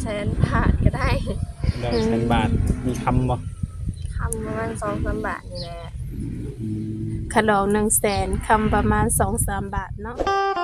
100,000 บาทก็ได้ 100,000 บาทมีคำบ่คำประมาณ 2-3 บาทนี่แหละขนม100,000คำประมาณ 2-3 บาทเนาะ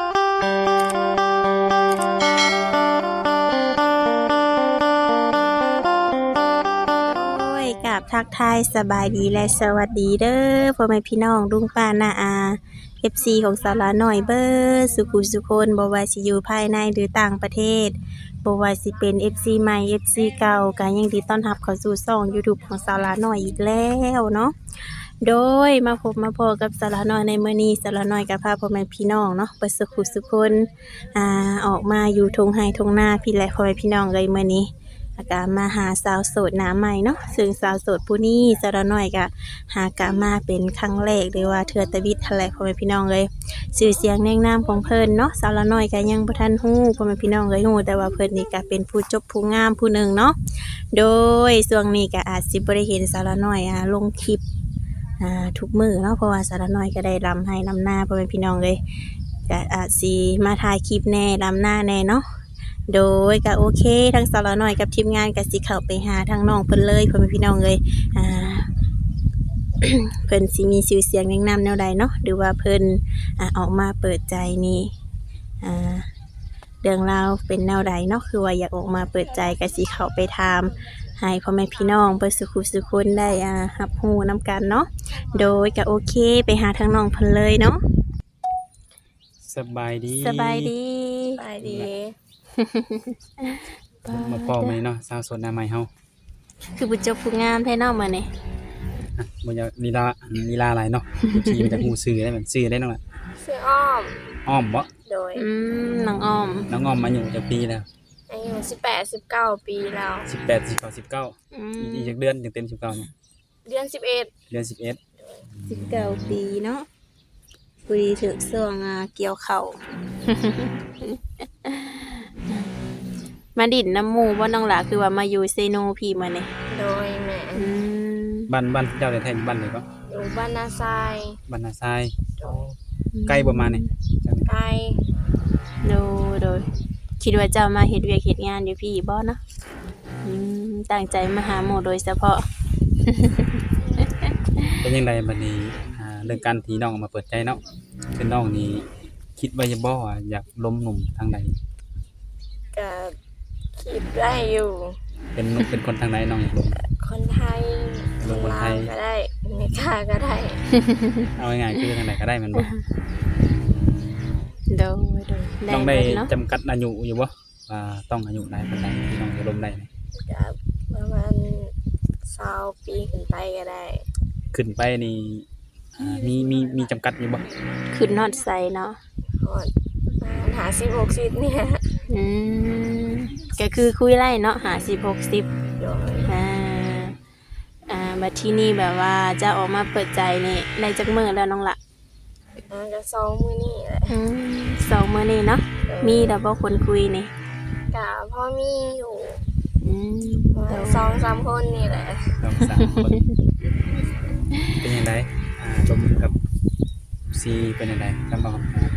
กับทักทายสบายดีและสวัสดีเด้อพ่อแม่พี่น้องลุงป้าน้าอา FC ของสาระหน่อยเบ้อสุขุสุคนบ่ว่าสิอยู่ภายในหรือต่างประเทศบ่ว่าสิเป็น FC ใหม่ FC เก่าก็ยังดีต้อนรับเข้าสู่ช่อง YouTube ของสาระหน่อยอีกแล้วเนาะโดยมาพบมาพอกับสาระหน่อยในมื้อนี้สาระหน่อยก็พาพ่อแม่พี่น้องเนาะไปสุขุสุคนออกมาอยู่ทุ่งไร่ทุ่งนาพี่และพ่อแม่พี่น้องเลยมื้อนี้แล้วก็มาหาสาวโสดหน้าใหม่เนาะซึ่งสาวโสดผู้นี้สาระหน่อยก็หากะมาเป็นครั้งแรกหรือว่าเทื่อตะวิดแถลงพ่อแม่พี่น้องเลยชื่อเสียงแนงนามของเพิ่นเนาะสาระหน่อยก็ยังบ่ทันฮู้พ่อแม่พี่น้องเลยฮู้แต่ว่าเพิ่นนี่ก็เป็นผู้จบผู้งามผู้หนึ่งเนาะโดยช่วงนี้ก็อาจสิบ่ได้เห็นสาระหน่อยลงคลิปทุกมื้อเนาะเพราะว่าสาระหน่อยก็ได้รำให้รำหน้าพ่อแม่พี่น้องเลยก็อาจสิมาถ่ายคลิปแน่รำหน้าแน่เนาะโดยก็โอเคทั้งสาระหน่อยกับทีมงานก็สิเข้าไปหาทางน้องเพิ่นเลยพ่อแม่พี่น้องเลยเพิ่นสิมีชื่อเสียงแนะนำแนวใดเนาะหรือว่าเพิ่นออกมาเปิดใจนี่เรื่องราวเป็นแนวใดเนาะคือว่าอยากออกมาเปิดใจก็สิเข้าไปถามให้พ่อแม่พี่น้องเปิดสุขุสุคนได้รับรู้นำกันเนาะโดยก็โอเคไปหาทางน้องเพิ่นเลยเนาะสบายดีสบายดีมาพ่อไหมเนาะสาวโสดหน้าใหม่เฮาคือผู้จบผู้งามแท้เนาะมื้อนี้บ่อยากลีลาหลายเนาะที่มันจะฮู้ชื่อได้มันชื่อได้นั่นแหละชื่ออ้อมบ่โดยน้องอ้อมมาอยู่จักปีแล้วอายุ18-19 ปีแล้ว 18 19อีกจักเดือนถึงเต็ม19เนี่ยเดือน 19ปีเนาะปุยถึกช่วงเกี่ยวข้าวมาดินน้ำหมู่บ่น้องหล่ะคือว่ามาอยู่เซโนพี่มื้อนี้โดยแม่บ้านเจ้าได้แท้บ้านไหนก็อยู่บ้านนาทรายใกล้บ่มานี่ใกล้โดยคิดว่าเจ้ามาเฮ็ดเวียกเฮ็ดงานอยู่พี่บ่เนาะตั้งใจมาหาหมู่โดยเฉพาะเป็นจังไดบัดนี้เรื่องการที่น้องออกมาเปิดใจเนาะคือน้องนี่คิดว่าจะบ่อยากล้มหนุ่มทางใดก็คิดได้อยู่เป็นคนทางไหนน้องอยากล้มคนไทยคนไทยก็ได้อเมริกาก็ได้เอาง่ายๆคือทางไหนก็ได้มันบ่ต้องได้จำกัดอายุอยู่บ่ว่าต้องอายุใดปานใดที่น้องจะล้มได้ก็ประมาณ20 ปีขึ้นไปก็ได้ขึ้นไปนี่มีจำกัดอยู่บ่ขึ้นฮอดไสเนาะฮอด50-60เนี่ยก็คือคุยไล่เนาะ50-60 โดยบัดที่นี่แบบว่าจะออกมาเปิดใจนี่ได้จักมื้อแล้วน้องละก็2 มื้อนี่แหละ 2 มื้อนี่เนาะมีแต่บ่คนคุยนี่ก็พอมีอยู่2-3 คนนี่แหละ 2-3 คนเป็นจังไดลมกับซีเป็นจังไดจำบ่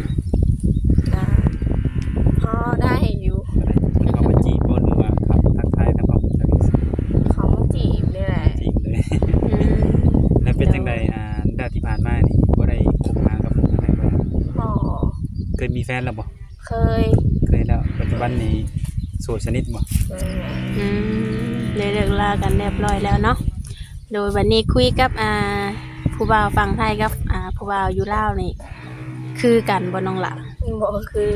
พอได้อยู่เขามาจีบบ่หรือว่าเขาทักทายทางความรู้จักเขามาจีบนี่แหละจีบเลยแล้วเป็นจังไดดาที่ผ่านมานี่บ่ได้คบหากับอะไรบ่เคยมีแฟนแล้วบ่เคยแล้วปัจจุบันนี้โสดสนิทบ่เลิกลากันเรียบร้อยแล้วเนาะโดยวันนี้คุยกับผู้บ่าวฝั่งไทยกับผู้บ่าวอยู่ลาวนี่คือกันบ่น้องล่ะบ่คือ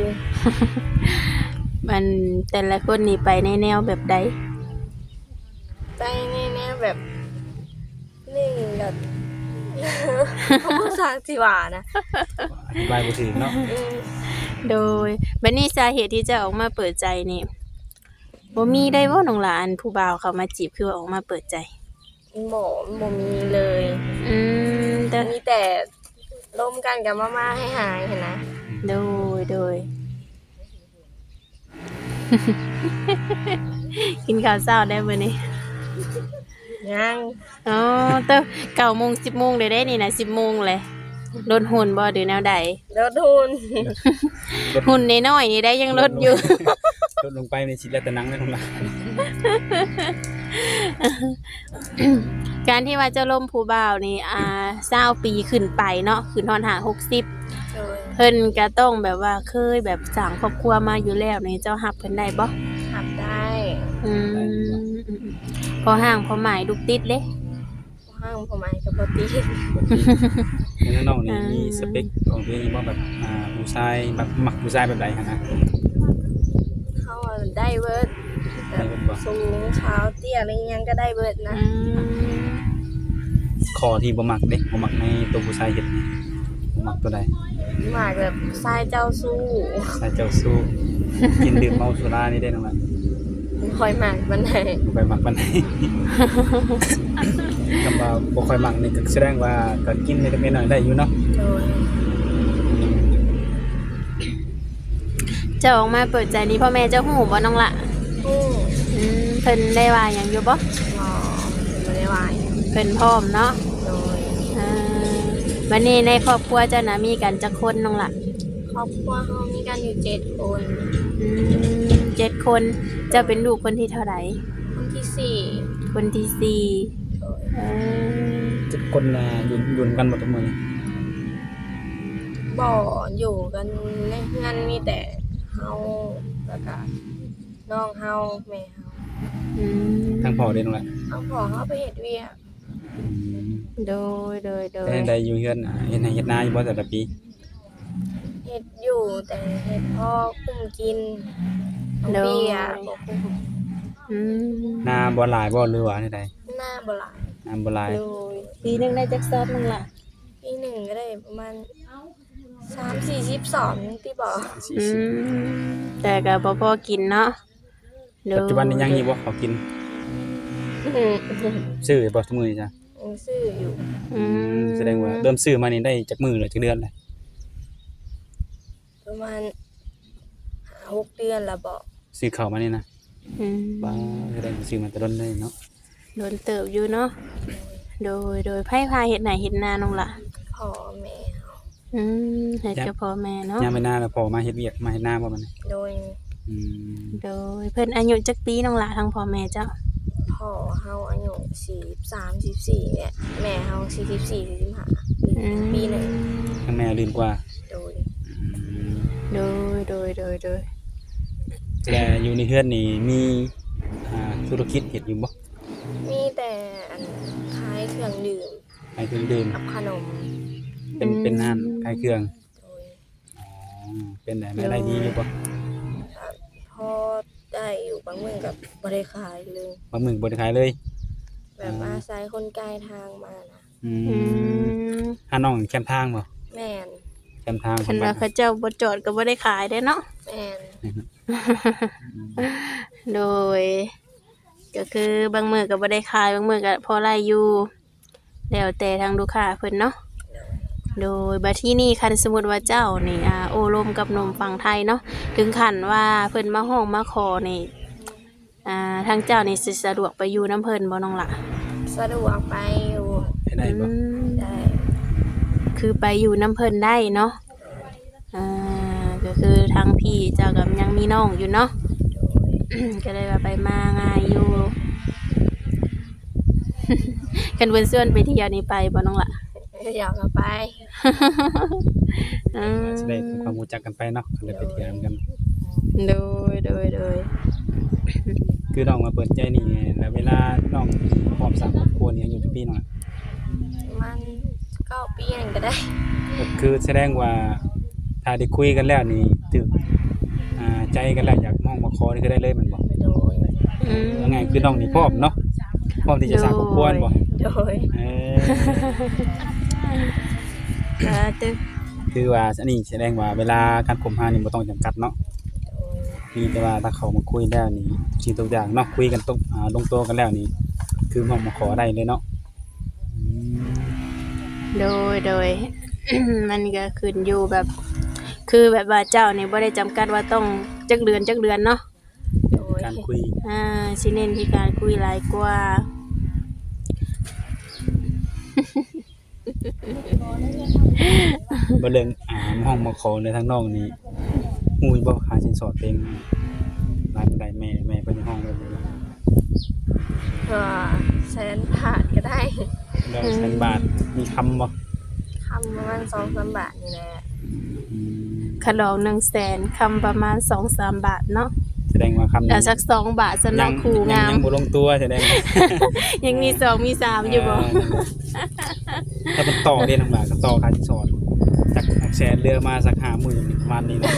มันแต่ละคนนี่ไปในแนวแบบใดไปในแนวแบบนิ่งแบบภาษาสิว่านะอธิบายบ่ถึงเนาะโดยบัดนี้สาเหตุที่จะออกมาเปิดใจนี่บ่มีได้บ่น้องหลานผู้บ่าวเขามาจีบคือว่าออกมาเปิดใจบ่มีเลยแต่มีแต่ล้มกันกับมาให้หายเห็นนะโดยกินข้าวเช้าได้มื้อนี้ยังแต่9:00 น 10:00 นได้นี่นะ 10:00 นเลยลดหุ่นบ่หรือแนวใดลดหุ่นหุ่นน้อยๆนี่ได้ยังลดอยู่จดลงไปในสิแล้วแต่หนังเลยน้องล่ะการที่ว่าเจ้าล่มผู้บ่าวนี่20ปีขึ้นไปเนาะขึ้นฮอด60 โดยเพิ่นก็ต้องแบบว่าเคยแบบสร้างครอบครัวมาอยู่แล้วนี่เจ้ารับเพิ่นได้บ่หับได้อืมพอห่างพอหมายลูกติดเด้ห้างผมไอ้กับปติแล้วน้องนี่มีสเปคของตัวเองบ่แบบผู้ชายแบบมักผู้ชายแบบใดหั่นนะเขาได้เบิร์ดได้เบิดบ่สูงเช้าเตี้ยอะไรยังก็ได้เบิร์ดนะข้อที่บ่มักเด้บ่มักในตัวผู้ชายเฮ็ดนี่บ่มักตัวใดหมากแบบทรายเจ้าสู้ชายเจ้าสู้ กินดื่มเมาสุรานี่ได้น้องล่ะคอยหมากมันไหนบ่ค่อยมักปานใด คำว่าบ่ค่อยมักนี่ก็แสดงว่าก็กินนิดๆหน่อยๆได้อยู่เนาะโดยเจ้าออกมาเปิดใจนี้พ่อแม่เจ้าฮู้บ่น้องละผู้เพิ่นได้ว่าหยังอยู่บ่หมอเป็นไม่ได้วายเพิ่นพร้อมเนาะโดยวันนี้ในครอบครัวเจ้านะมีกันจักคนน้องละครอบครัวเขามีกันอยู่7 คน 7 คนเจ้าเป็นลูกคนที่เท่าไหร่คนที่4 คนที่สี่โดยทุกคนอยู่กันหมดทุกมื้อนี่บ่อยู่กันในเฮือนมีแต่เฮาแล้วก็น้องเฮาแม่เฮาทั้งพ่อเด้น้องล่ะเอาพอเฮาไปเฮ็ดเวียกโดยแต่ใดอยู่เฮือนเฮ็ดนาเฮ็ดนาอยู่บ่แต่ละปีเฮ็ดอยู่แต่เฮ็ดพ่อคุ้มกินน้องเบียร์บ่คุ้มนาบ่หลายบ่หรือว่าใดหน้าบ่หลายนาบ่หลายโดยปีหนึงได้จักซอบน้องละปีหนึ่งก็ได้ประมาณ30-42ที่บอกแต่ก็บ่พอกินเนาะโดยปัจจุบันนี้ยังอยู่บ่เขากินซื้อบ่ทุกมื้อนี่จ้ะยังซื้ออยู่แสดงว่าเริ่มซื้อมานี่ได้จักมื้อหรือจักเดือนแล้วประมาณ5-6 เดือนละบอกซื้อข้าวมานี่นะบ่แสดงว่าซื้อมาแต่ต้นเลยเนาะโดนเติบอยู่เนาะโดยไผพาเฮ็ดไหนเฮ็ดนาน้องละพ่อแม่เฮาเฮ็ดกับพ่อแม่เนาะยามไปนาแล้วพอมาเฮ็ดเวียกมาเฮ็ดนาบ่มันโดยอืมโดยเพิ่นอายุจักปีน้องละทั้งพ่อแม่เจ้าพ่อเฮาอายุ43-44เนี่ยแม่เฮา44-45ปีหนึ่งทั้งแม่ลืมกว่าโดยโดยแต่อยู่ในเฮือนนี่มีธุรกิจเฮ็ดอยู่บ่มีแต่อันขายเครื่องดื่มขายเครื่องดื่มกับขนมเป็นร้านขายเครื่องโดยเป็นรายได้ดีอยู่บ่พอได้อยู่บางมื้อกับ่ได้ขายเลยบางมื้อบ่ได้ขายเลยแบบอาศัยคนไกลทางมานะหาน้องแคมทางบ่แม่นแคมทางคันว่าเขาเจ้าบ่จอดก็บ่ได้ขายได้เนาะแม่นโดย ก็คือบางมื้อก็บ่ได้ขายบางมื้อก็พอไล่อยู่แล้วแต่ทางลูกค้าเพิ่นเนาะโดยบัดที่นี่คันสมมุติว่าเจ้านี่โอ้ลมกับหนุ่มฝั่งไทยเนาะถึงขั้นว่าเพิ่นมาห้องมาขอนี่ทางเจ้านี่สิสะดวกไปอยู่น้ำเพิ่นบ่น้องล่ะสะดวกไปอยู่ได้บ่ได้คือไปอยู่น้ำเพิ่นได้เนาะก็คือทางพี่เจ้ากับยังมีน้องอยู่เนาะ ก็เลยว่าไปมาง่ายอยู่ กันเพิ่นส่วนไปเที่ยวนี่ไปบ่น้องล่ะอยากเอาไปจะได้ทำความรู้จักกันไปเนาะก็เลยไปเที่ยวกันโดยคือน้องมาเปิดใจนี่แล้วเวลาน้องพร้อมสร้างครอบครัวนี่อายุจักปีน้องอะมัน9 ปีนั่นก็ได้ก็คือแสดงว่าถ้าได้คุยกันแล้วนี่ถึกใจกันแล้วอยากมองมาขอนี่คือได้เลยแมันบ่โดยว่าไงคือน้องนี่พร้อมเนาะพร้อมที่จะสร้างครอบครัวบ่โดยตึกคือว่าอันนี้แสดงว่าเวลาการคบหานี่บ่ต้องจำกัดเนาะมีแต่ว่าถ้าเขามาคุยแล้วนี่สิ่งทุกอย่างเนาะคุยกันตกลงตัวกันแล้วนี่คือมองมาขอได้เลยเนาะโดย มันก็ขึ้นอยู่แบบ คือแบบว่าเจ้านี่บ่ได้จำกัดว่าต้องจักเดือนเนาะโดยการคุยสิเน้นที่การคุยหลายกว่าบ่เรื่องห้องมาขอในทางน้องนี่ฮู้บ่ค่าสินสอดเพลงรายได้แม่เพิ่นห้องไว้เลยก็แสนบาทก็ได้แล้วแสนบาทมีคำบ่คำประมาณ2-3 บาทนี่แหละอืมขนม100,000คำประมาณ 2-3 บาทเนาะแสดงว่าคำแล้วสัก2 บาทสำหรับคู่งามยังบ่ลงตัวแสดงว่ายังมี2มี3อยู่บ่ถ้ามันต่อเรียนทั้งหลายก็ต่อค่าสินสอดจากแสนเรือมาสัก50,000ประมาณนี้นะ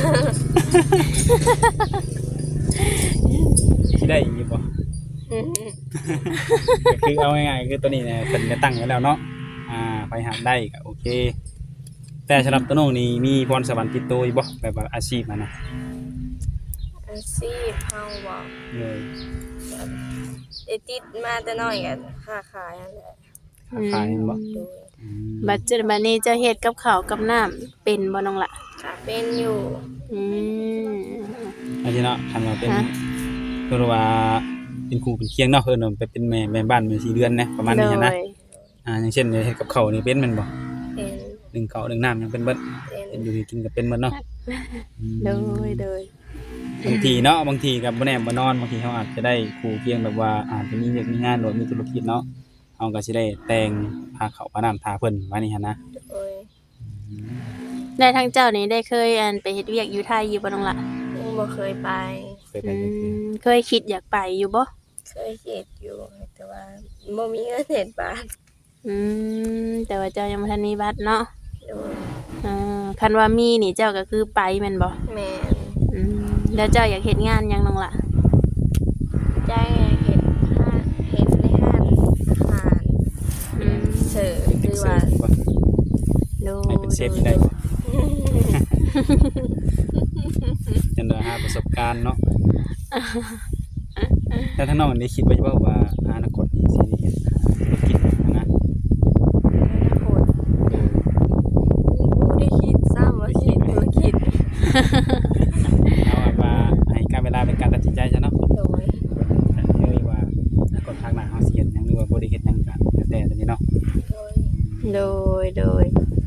สิได้อีกบ่อืมก็คือเอาง่ายๆคือตัวนี้เนี่ยเพิ่นได้ตั้งไว้แล้วเนาะไปหาได้ก็โอเค แต่สำหรับตัวน้องนี่มีพรสวรรค์ติดตัวอยู่บ่แบบว่าอาชีพอะนะอาชีพเฮาบ่เลยได้ติดมาแต่น้อยก็ค้าขายนั่นแหละค้าขายแม่นบ่โดยอืมบัดนี้จะเฮ็ดกับข้าวกับน้ำเป็นบ่น้องล่ะก็เป็นอยู่อืมอันนี้เนาะคันว่าเป็นฮะเพิ่นว่าเป็นครูเป็นเคียงเนาะเพิ่นว่าไปเป็นแม่บ้านแม่4เดือนนะประมาณนี้นะโดยอย่างเช่นเฮ็ดกับข้าวนี่เป็นแม่นบ่เป็นนึ่งข้าวนึ่งน้ำยังเป็นเบิดเป็นเป็นอยู่กินก็เป็นเบิดเนาะอืมโดยบางทีเนาะบางทีก็บ่แน่บ่นอนบางทีเขาอาจจะได้ครูเพียงแบบว่าอาจจะมีเวียกมีงานหรือมีธุรกิจเนาะเฮาก็สิได้แต่งพาเขาพาน้ำทาเพิ่นว่านี่หั่นนะโดยได้ทางเจ้านี่ได้เคยไปเฮ็ดเวียกอยู่ไทยอยู่บ่น้องล่ะยังบ่เคยไปเคยไปจักเทื่อเคยคิดอยากไปอยู่บ่เคยเฮ็ดอยู่แต่ว่าบ่มีเงินเฮ็ดบาทแต่ว่าเจ้ายังบ่ทันมีบัตรเนาะโดยคันว่ามีนี่เจ้าก็คือไปแม่นบ่แม่นแล้วเจ้าอยากเฮ็ดงานหยังน้องล่ะใจเฮ็ดเฮ็ดในห้านอาหารเสิร์ฟหเป็นรือเสิว่าร์ฟบ่โดให้เป็นเชฟได้บ่จังได๋หาประสบการณ์เนาะแต่ทั้งน้องได้คิดไว้บ่ว่าอนาคตนี่สิเฮ็ดธุรกิจนะโหดบ่ได้คิดซ้ำว่าสิธุรกิจเอาว่าให้การเวลาเป็นการตัดสินใจซะเนาะโดยเฮ้ยว่าอนาคตทางหน้าเฮาสิเฮ็ดหยังหรือว่าบ่ได้เฮ็ดหยังกันแล้วแต่ตอนนี้เนาะโดย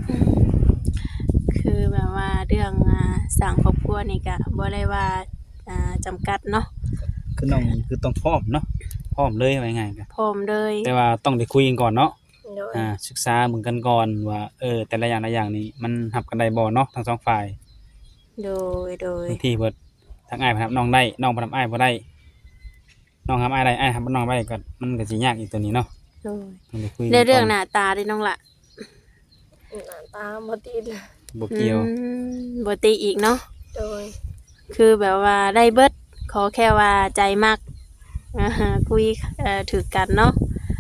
คือแบบว่าเรื่องสร้างครอบครัวนี่ก็บ่ได้ว่าจำกัดเนาะคือน้องคือต้องพร้อมเนาะพร้อมเลยว่าง่ายๆก็พร้อมเลยแต่ว่าต้องได้คุยกันก่อนเนาะโดยศึกษาเหมือนกันก่อนว่าแต่ละอย่างนี่มันรับกันได้บ่เนาะทั้งสองฝ่ายโดยบางทีเพิ่นทางอ้ายเพิ่นรับน้องได้น้องเพิ่นรับอ้ายบ่ได้น้องรับอ้ายได้อ้ายรับน้องบ่ได้ก็มันก็สิยากอีกตัวนี้เนาะโดยต้องได้คุยกันในเรื่องก่หน้าตาเด้น้องล่ะหน้าตาบ่ติดบ่เกี่ยวบ่ติอีกเนาะโดยคือแบบว่าได้เบิดขอแค่ว่าใจมักคุยถือกันเนาะ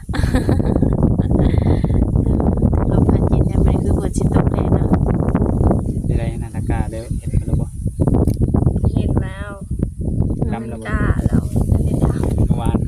ลมพัดเย็นยังไงคือฝนสิตกแน่เนาะได้ๆนาตากาเด้อเฮ็ดกันแล้วบ่เห็นแล้วดำแล้วบ่กล้าแล้วอันนี้ดาวเมื่อวาน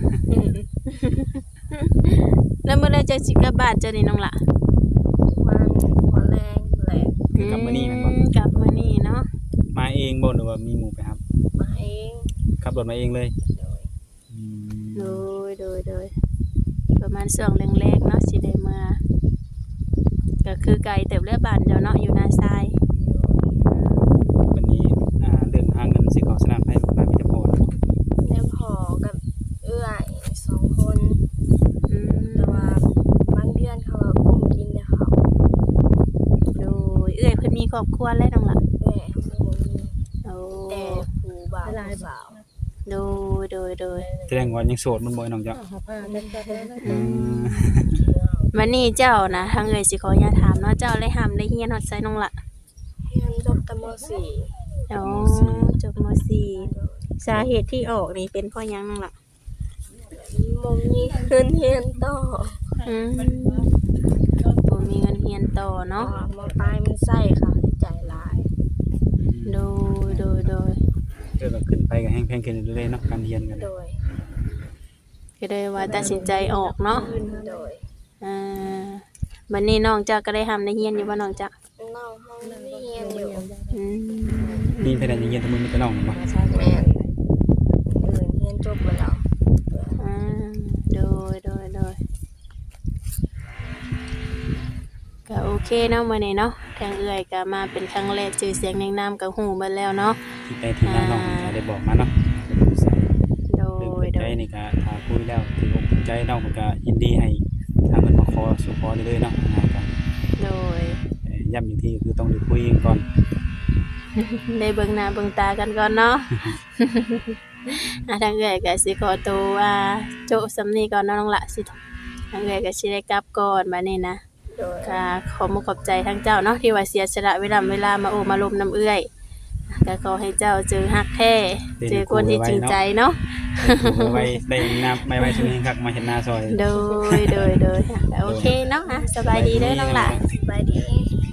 แล้วเมื่อไรจะสิกลับบ้านเจ้านี่น้องล่ะมันหัวแรงแหละคือกลับมื้อนี้แม่นบ่กลับมื้อนี้เนาะมาเองบ่หรือว่ามีหมู่ไปครับมาเองขับรถมาเองเลยโดยอืโดมยประมาณช่วงแรกๆเนาะสิได้มาก็คือไกลเติบเลือบ้านเจ้าเนาะอยู่นาทรายวันนี้เรื่องหาเงินสิเข้าสนามไผบ่ได้มีแต่พอเนาะแล้วพอกับเอื้อย2 คนอืมแต่ว่าบางเดือนเขาก็กุ้มกินแต่เขาโดยเอ้ยเพิ่นมีครอบครัวแล้วน้องล่ะแม่เขาบ่มีโอ้แต่ผู้บ่าวผู้สาวโดยแสดงว่ายังโสดมันบ่น้องจ้ะอืมวันนี้เจ้านะทางเอ่ยสิขออนุญาตถามเนาะเจ้าได้ห้ามได้เฮียนฮอดไสน้องล่ะเรียนจบตมอ๋อจบม .4 สาเหตุที่ออกนี่เป็นเพราะหยังน้องล่ะ .4 บ่มีเงินเรียนต่อบ่มีเงินเฮียนต่อเพราะเนาะว่ามปลายมันใช้ค่าใช้จ่ายหลายโดยก็ขึ้นไปก็แฮงแพงขึ้นเรื่อยๆเนาะการเรียนกันโดยก็เลยว่าตัดสินใจออกเนาะโดยวันนี้น้องจ้าก็ได้ห้ามได้เฮียนอยู่บ่น้องจ้าน้องห้องเรียนอยู่นี่เพดานยังเรียนทั้งมึงมีแต่น้องบ่แม่นอื่นเรียนจบไปแล้วโดยก็โอเคเนาะมื้อนี้เนาะทางเอื้อยก็มาเป็นครั้งแรกชื่อเสียงแนะนำกับฮู้เบิดแล้วเนาะที่ไปที่น้องๆได้บอกมาเนาะนี่ก็ถ้าคุยแล้วถืออกถือใจน้องเพิ่นก็ยินดีให้ทางเพิ่นมาขอสู่ขอได้เลยเนาะก็โดยย้ำอีกทีก็คือต้องได้คุยกันก่อนได้เบิ่งหน้าเบิ่งตากันก่อนเนาะ ทางเอื้อยก็สิขอตัวโจะสำนี้ก่อนเนาะน้องละสิทางเอื้อยก็สิได้กลับก่อนบัดนี้นะโดยก็ขอมุกขอบใจทั้งเจ้าเนาะที่ว่าเสียสละเวลามาโอมาลมน้ำเอื้อยก็ขอให้เจ้าเจอฮักแท้เจอคนที่จริงใจเนาะไว้ได้นับไม่ไว้ช่วงนี้ครับมาเห็นหน้าซอยโดยก็โอเคเนาะสบายดีเด้อน้องละสบายดี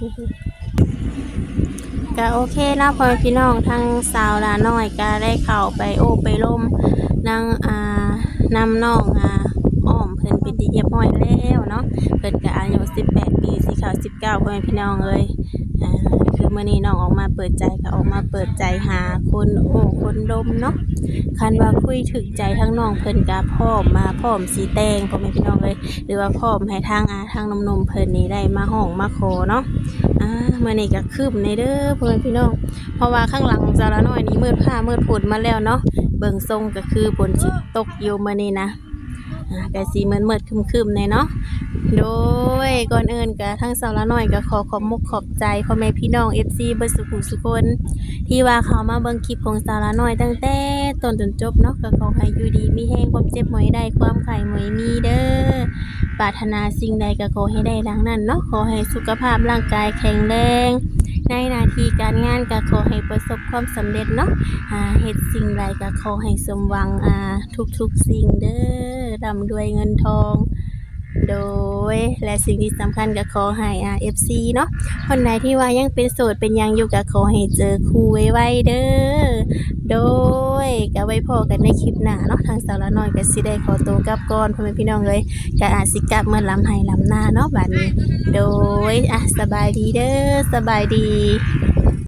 ก็โอเคเนาะพ่อแม่พี่น้องทั้งสาวลาน้อยก็ได้เข้าไปโอ้ไปล่มนางนำน้องอ้อมเพิ่นเป็นที่เรียบร้อยแล้วเนาะเพิ่นก็อายุ18 ปีสิเข้า19พ่อแม่พี่น้องเอ้ยคือมื้อนี้น้องออกมาเปิดใจก็ออกมาเปิดใจหาคนโอ้คนดมเนาะคันว่าคุยถึงใจทั้งน้องเพิ่นก็พร้อมสิแต่งพ่อแม่พี่น้องเอ้ยหรือว่าพร้อมให้ทางหนุ่มๆเพิ่นนี่ได้มาห้องมาขอเนาะ มื่อนี้ก็คืบในเด้อพ่อแม่พี่น้องเพราะว่าข้างหลังของสาวละน้อยนี้มืดผ้ามืดฝนมาแล้วเนาะเบิ่งทรงก็คือฝนสิตกอยู่มื้อนี้นะก็สิมืดๆครึมๆในเนาะโดยก่อนอื่นก็ทั้งสาวละน้อยก็ขอขอบมุกขอบใจพ่อแม่พี่น้อง FC เบิดสุขุสุคนที่ว่าเขามาเบิ่งคลิปของสาวละน้อยตั้งแต่ต้นจนจบเนาะก็ขอให้อยู่ดีมีแรงความเจ็บหมอยได้ความไข้หมอยมีเด้อ ปรารถนาสิ่งใดก็ขอให้ได้ดังนั้นเนาะขอให้สุขภาพร่างกายแข็งแรงในหน้าที่การงานก็ขอให้ประสบความสำเร็จเนาะเฮ็ดสิ่งใดก็ขอให้สมหวังทุกสิ่งเด้อร่ำรวยเงินทองโดยและสิ่งที่สำคัญก็ขอให้FC เนาะคนไหนที่ว่ายังเป็นโสดเป็นยังอยู่ก็ขอให้เจอคู่ไวๆเด้อโดยก็ไว้พอกันในคลิปหน้าเนาะทางสาวละน้อยก็สิได้ขอตัวกลับก่อนพ่อแม่พี่น้องเอ้ยก็อาจสิกลับเมื่อลำไห้ลำหน้าเนาะบัดนี้โดยสบายดีเด้อสบายดี